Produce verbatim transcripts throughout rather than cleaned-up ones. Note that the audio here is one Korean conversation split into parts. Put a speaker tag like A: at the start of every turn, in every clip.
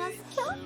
A: 안녕하세요.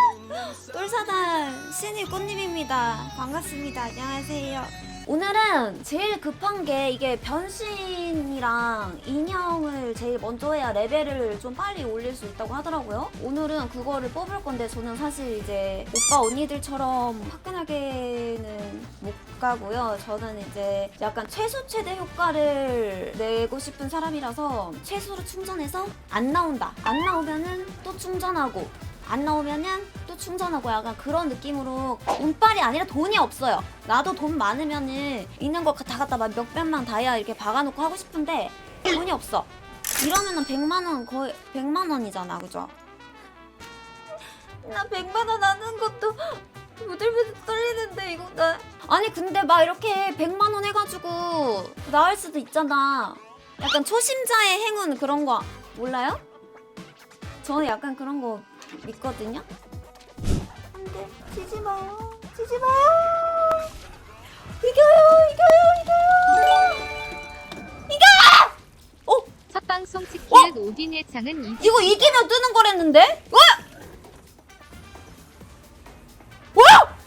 A: 똘사단 신입 꽃님입니다. 반갑습니다. 안녕하세요. 오늘은 제일 급한 게 이게 변신이랑 인형을 제일 먼저 해야 레벨을 좀 빨리 올릴 수 있다고 하더라고요. 오늘은 그거를 뽑을 건데 저는 사실 이제 오빠 언니들처럼 화끈하게는 못 가고요. 저는 이제 약간 최소 최대 효과를 내고 싶은 사람이라서 최소로 충전해서 안 나온다. 안 나오면은 또 충전하고 안 나오면은 또 충전하고 약간 그런 느낌으로 운빨이 아니라 돈이 없어요. 나도 돈 많으면은 있는 거 다 갖다 막 몇백만 다이아 이렇게 박아놓고 하고 싶은데 돈이 없어. 이러면은 백만 원 거의 백만 원이잖아, 그죠? 나 백만 원 하는 것도 부들부들 떨리는데 이거 나 아니 근데 막 이렇게 백만 원 해가지고 나을 수도 있잖아. 약간 초심자의 행운 그런 거 몰라요? 저는 약간 그런 거 믿거든요? 안돼, 지지 마요. 지지 마요. 이겨요, 이겨요, 이겨요. 이겨! 어?
B: 첫 방송 치킨 오딘의 창은 이
A: 이거 이기면 뜨는 거랬는데? 와! 와!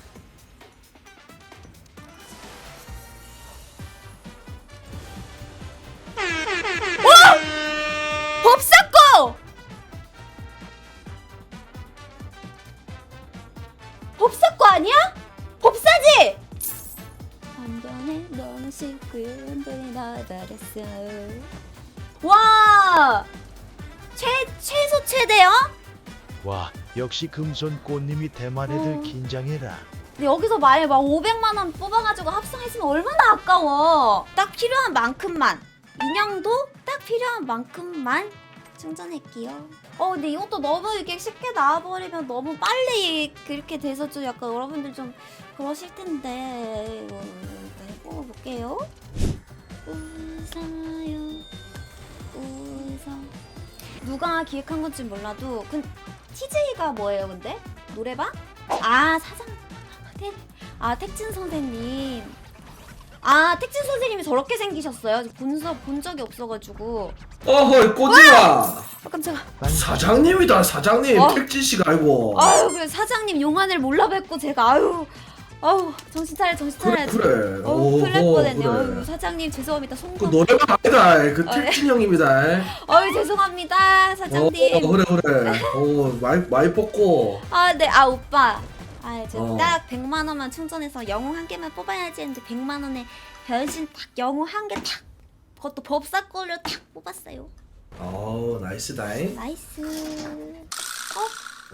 A: 와! 법사꺼! 법사꺼 아니야? 법사지? 한 번에 너무 쉽고 한 번에 나 잘했어. 와! 최, 최소 최대요?
C: 와, 역시 금손 꽃님이 대만 애들
A: 어.
C: 긴장해라.
A: 근데 여기서 만약에 막 오백만 원 뽑아가지고 합성했으면 얼마나 아까워. 딱 필요한 만큼만. 인형도 딱 필요한 만큼만 충전할게요. 어 근데 이것도 너무 이렇게 쉽게 나와버리면 너무 빨리 그렇게 돼서 좀 약간 여러분들 좀 그러실 텐데 이거 일단 뽑아볼게요. 웃어요 웃어. 누가 기획한 건지 몰라도 그 티제이가 뭐예요 근데? 노래방? 아 사장 태, 아 택진 선생님. 아 택진 선생님이 저렇게 생기셨어요? 본, 적- 본 적이 없어가지고.
D: 어허이 꼬지마.
A: 아 깜짝아.
D: 사장님이다 사장님.
A: 어?
D: 택진씨가 아니고.
A: 아유 그 사장님 용안을 몰라 뵙고 제가 아유 아유 정신 차려 정신
D: 그래
A: 차려야지.
D: 그래.
A: 어우 큰일 날
D: 오호,
A: 뻔했네.
D: 그래.
A: 아유 사장님 죄송합니다.
D: 그
A: 송금.
D: 노래방 아니다. 그
A: 어, 네.
D: 택진 형입니다.
A: 아유 죄송합니다
D: 어,
A: 사장님.
D: 그래 그래. 어 많이 많이 뽑고.
A: 아 네 아 오빠. 아 이제
D: 어.
A: 딱 백만 원만 충전해서 영웅 한 개만 뽑아야지 했는데 백만 원에 변신 딱 영웅 한 개 딱. 그것도 법사 걸로 딱 뽑았어요.
D: 어 나이스다잉.
A: 나이스. 어?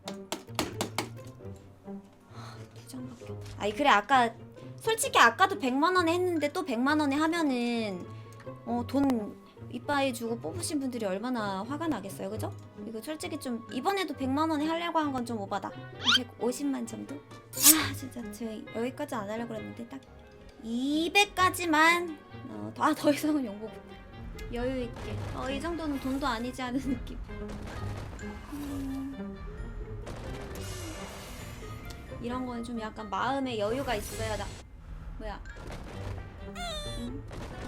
A: 두장밖에 없. 아니 그래 아까 솔직히 아까도 백만 원에 했는데 또 백만 원에 하면은 어 돈 이빠이 주고 뽑으신 분들이 얼마나 화가 나겠어요, 그죠? 이거 솔직히 좀 이번에도 백만 원에 하려고 한 건 좀 오바다. 백오십만 정도? 아 진짜 저 여기까지 안 하려고 그랬는데 딱 이백까지만 어, 더, 아, 더 이상은 용복 여유 있게. 어, 이 정도는 돈도 아니지 않은 느낌. 음, 이런 거는 좀 약간 마음의 여유가 있어야 나. 뭐야? 응?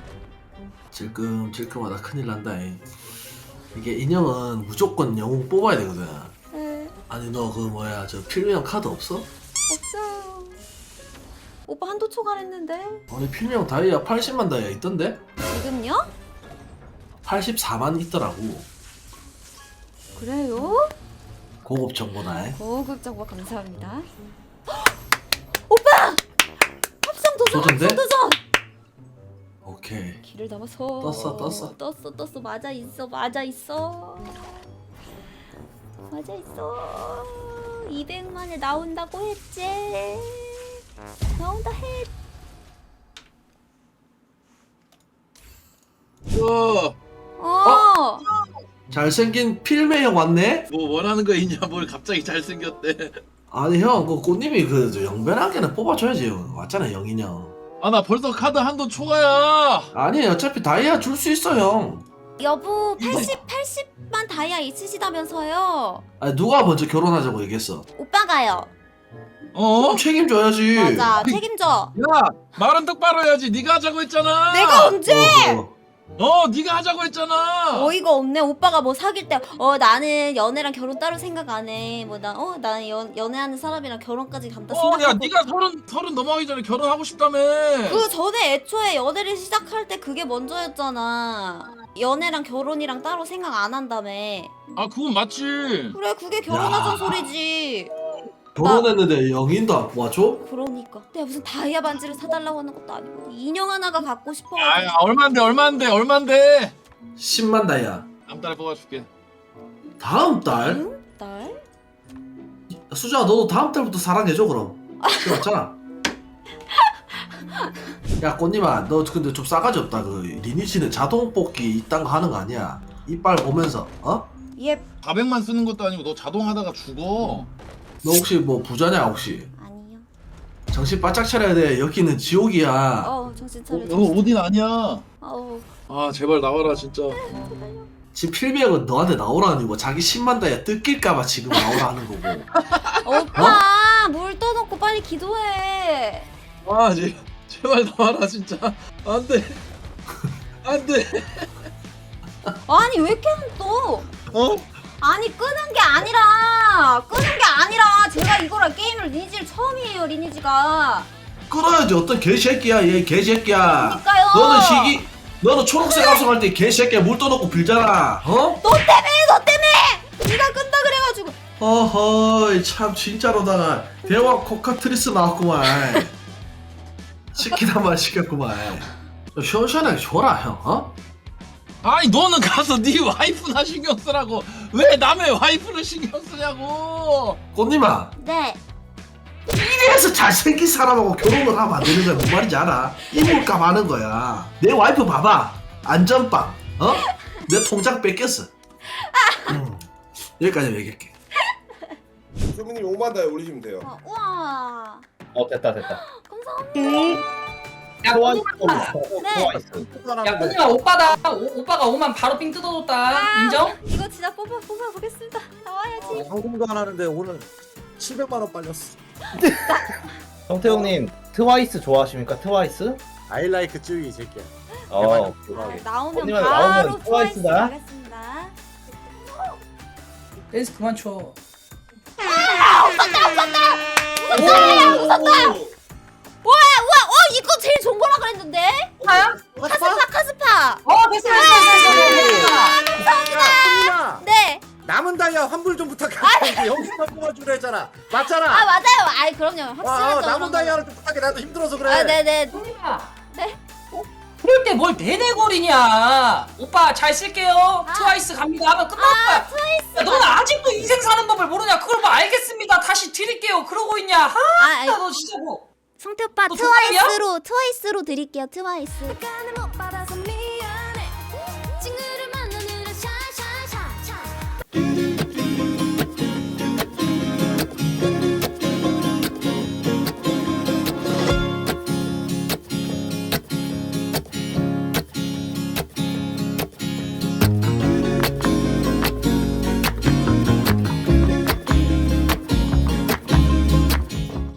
D: 질끔질끔하다 큰일 난다잉. 이게 인형은 무조건 영웅 뽑아야 되거든.
A: 네,
D: 아니 너 그 뭐야 저 필명 카드 없어?
A: 없어요. 오빠 한도 초과했는데
D: 아니 필명 다이아 팔십만 다이아 있던데?
A: 지금요?
D: 팔십사만 있더라고.
A: 그래요?
D: 고급 정보다.
A: 고급 정보 감사합니다. 오빠! 합성 도전!
D: 도전돼?
A: 합성 도전!
D: 오케이.
A: 길을 담아서
D: 떴어, 떴어.
A: 떴어 떴어 맞아 있어 맞아 있어 맞아 있어. 이백만에 나온다고 했지. 나온다 했.
E: 어,
A: 어.
D: 잘생긴 필메 형 왔네?
E: 뭐 원하는 거 있냐? 뭘 갑자기 잘생겼대.
D: 아니 형, 그 꽃님이 그 영변하게는 뽑아줘야지. 형. 왔잖아 영인 형.
E: 아, 나 벌써 카드 한돈 초과야.
D: 아니 어차피 다이아 줄 수 있어 형.
A: 여보 팔십 팔십만 다이아 있으시다면서요.
D: 아니 누가 먼저 결혼하자고 얘기했어?
A: 오빠가요.
E: 어?
D: 그럼 책임져야지.
A: 맞아 책임져.
E: 야, 말은 똑바로 해야지. 네가 하자고 했잖아.
A: 내가 언제?
D: 어, 어.
E: 어 네가 하자고 했잖아.
A: 어이가 없네. 오빠가 뭐 사귈 때 어 나는 연애랑 결혼 따로 생각 안 해. 뭐 나 어 나는 연 연애하는 사람이랑 결혼까지 간다
E: 어야
A: 생각하고.
E: 네가 서른 서른 넘어가기 전에 결혼하고 싶다며.
A: 그 전에 애초에 연애를 시작할 때 그게 먼저였잖아. 연애랑 결혼이랑 따로 생각 안 한다며.
E: 아 그건 맞지.
A: 그래 그게 결혼하자는
D: 야.
A: 소리지.
D: 결혼했는데 영인도 안 뽑아줘?
A: 그러니까 내가 무슨 다이아 반지를 사달라고 하는 것도 아니고 인형 하나가 갖고 싶어가지고.
E: 아 얼만데 얼만데 얼만데.
D: 십만 다이아.
E: 다음 달에 뽑아줄게.
D: 다음 달?
A: 응? 날?
D: 수정아 너도 다음 달부터 사랑해줘 그럼. 맞잖아. 야 꽃님아 너 근데 좀 싸가지 없다. 그 리니지는 자동 뽑기 이딴 거 하는 거 아니야. 이빨 보면서 어?
A: 얘
E: 사백만 쓰는 것도 아니고 너 자동하다가 죽어.
D: 너 혹시 뭐 부자냐 혹시?
A: 아니요.
D: 정신 바짝 차려야 돼. 여기는 지옥이야.
A: 어 정신
E: 어,
A: 차려.
E: 너 오딘 아니야.
A: 어우.
E: 아 제발 나와라 진짜.
D: 지금 필비형은 너한테 나오라는 이고 자기 십만 다이아 뜯길까봐 지금 나오라 하는 거고.
A: 오빠 물 떠놓고 빨리 기도해.
E: 아 제, 제발 나와라 진짜. 안돼. 안돼.
A: 아니 왜 이렇게 안 떠?
E: 어?
A: 아니 끄는 게 아니라 끄는 게 아니라 제가 이거랑 게임을 리니지를 처음이에요 리니지가.
D: 끌어야지. 어떤 개새끼야 얘 개새끼야.
A: 그러니까요.
D: 너는 시기 너는 초록색 합성할 때 개새끼야 물 떠놓고 빌잖아. 어?
A: 너 때문에 너 때문에 네가 끈다 그래가지고.
D: 어허이 참 진짜로다가 대화 코카트리스 나왔구만. 시키다 말 시켰구만. 좀 시원시원하게 줘라 형. 어?
E: 아니 너는 가서 네 와이프나 신경 쓰라고 왜 남의 와이프를 신경 쓰냐고.
D: 꽃님아
A: 네.
D: 이래서 잘생긴 사람하고 결혼을 하면 안 되는 거야. 뭔 말인지 알아? 이물감 하는 거야. 내 와이프 봐봐. 안전빵. 어? 내 통장 뺏겼어. 음, 여기까지 얘기할게.
F: 소민님 오만 다이 올리시면 돼요.
A: 어, 우와.
G: 어 됐다 됐다.
A: 감사합니다.
G: 야
F: 좋아요.
G: 꽃님아,
A: 네.
G: 야 꽃님아 오빠다. 오, 오빠가 오만 바로 삥 뜯어줬다. 인정?
A: 이거 진짜 뽑아 뽑아 보겠습니다. 나와야지.
H: 현금도 안 하는데 오늘 칠백만 원 빨렸어.
G: 정태웅님 트와이스 좋아하십니까? 트와이스?
H: 아이라이크 쯔위 이 새끼야.
G: 어.
A: 아, 나오면
G: 언니만
A: 바로
G: 나오면
A: 트와이스
G: 트와이스다.
A: 가겠습니다.
I: 댄스 그만 춰.
A: 우와 우와 어 이거 제일 좋은 거라 그랬는데.
I: 뭐야?
A: 카스파 카스파.
I: 어 됐어 됐어 됐어 됐어.
H: 감사합니다.
A: 네.
H: 남은 다이아 환불 좀 부탁해. 영수만 뽑아주려 했잖아. 맞잖아.
A: 아 맞아요. 아이 그럼요.
H: 아,
A: 확실하죠.
H: 남은 다이아를 좀 부탁해. 나도 힘들어서 그래.
A: 아 네네.
I: 꽃님아.
A: 네.
I: 그럴 때 뭘 대대거리냐? 오빠 잘 쓸게요.
A: 아.
I: 트와이스 갑니다 하면 끝날 거야.
A: 아 트와이스.
I: 야, 너는 아직도 인생 사는 법을 모르냐? 그걸 뭐 알겠습니다. 다시 드릴게요. 그러고 있냐? 하,
A: 아 아니,
I: 너 진짜 뭐.
A: 성태 오빠
I: 너 정말이야?
A: 트와이스로 트와이스로 드릴게요. 트와이스.